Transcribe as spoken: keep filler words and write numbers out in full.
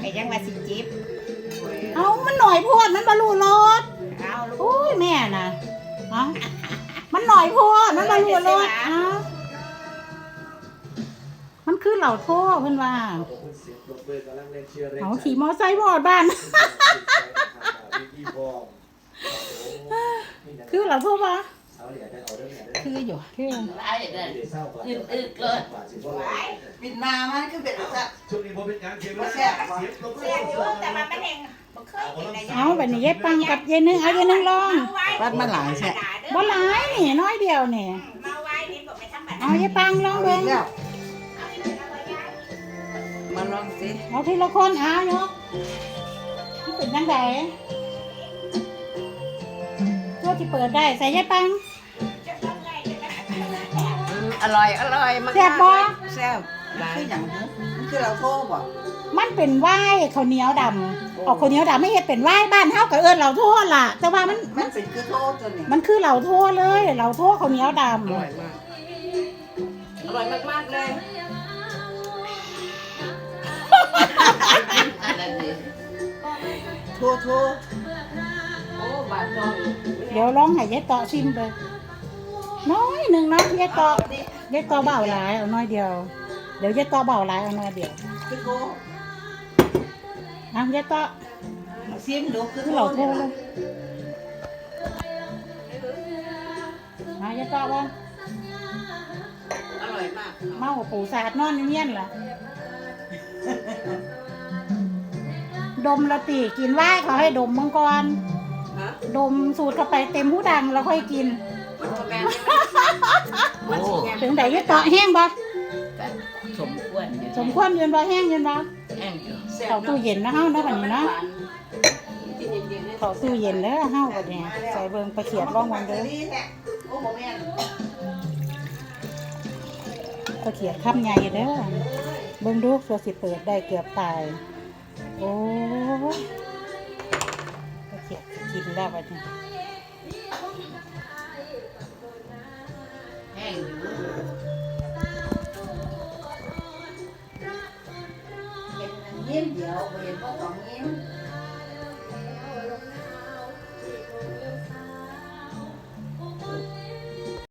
ก็ยังว่าสิจิบเอามันหน่อยโพดมันบรรลุรสเอาลูโอ้กยแม่น่ะเอามันหน่อยโพดมันบรรลุรสเอามันคือเหล่าโทษเพิ่นว่าเอาขี่มอไซค์หมดบ้านคือเหล่าโทษปะคืออยู่คือไล่เด้ออึดอึดเลยบินมามันคือเป็นอะไรช่วงนี้ผมเป็นการเก็บไว้แซ่บแซ่บอยู่แต่ว่ามันเองบ่เคยกินได้เอาแบบนี้ยายปังกับยายนึงเอายายนึงลองวัดมาหลายแช่บ่หลายนี่น้อยเดียวนี่มาไว้นี่บ่ไม่ธรรมดาเอายายปังลองเบิ่งมาลองสิเอาทีละคนเอายกมันเป็นจังไดตัวที่เปิดได้ใส่ยายปังอร่อยอร่อยมากแซ่บบ่แซ่บหลายอย่างมันคือเราโทษบ่มันเป็นว่ายข้าวเหนียวดำออกข้าวเหนียวดำไม่เฮ็ดเป็นว่ายบ้านเฮากับเอิ้นเหล่าโทษล่ะ แต่ว่ามันมันเป็นคือโทษตัวนี้มันคือเหล่าโทษเลยเหล่าโทษข้าวเหนียวดำอร่อยมากอร่อยมากๆเลยอะไรนี่โทษโทษโอ้บาดน้องเดี๋ยวลองให้ยายเตาะชิมไปน้อยหนึ่งเนาะยายเตาะยายเตาะเบาหลายเอาน้อยเดียวเดี๋ยวยายเตาะเบาหลายเอาน้อยเดียวคือโทษเอายายเตาะซิมดูคือคือโทเหล่าษโทษเลยมายายเตาะบ้างอร่อยมากเมาปูสาดนอนเงี้ยนล่ะดมละตีกินว่ายเขาให้ดมมังกรฮะดมสูตรเข้าไปเต็มหูดังแล้วค่อยกินมันแม่มันสิแง่ถึงไหนยายเตาะแห้งบ่สมควรสมควรยืนบ่แห้งยืนบ่แห้งอยู่เข้าตู้เย็นนะเฮาเนาะบัดนี้เนาะเข้าตู้เย็นเด้อเฮาบัดนี้ใส่เบิ่งไปเขียดร่องมันเด้อโอ้โหแม่นไปเขียดค่ำใหญ่เด้อเบิ่งดูตัวสิเปิดได้เกือบตายโอ้ยไปเขียดสิกินแล้วบัดนี้แห้งอยู่เห็นยิ้มเดียวเห็นบ่ต้องยิ้ม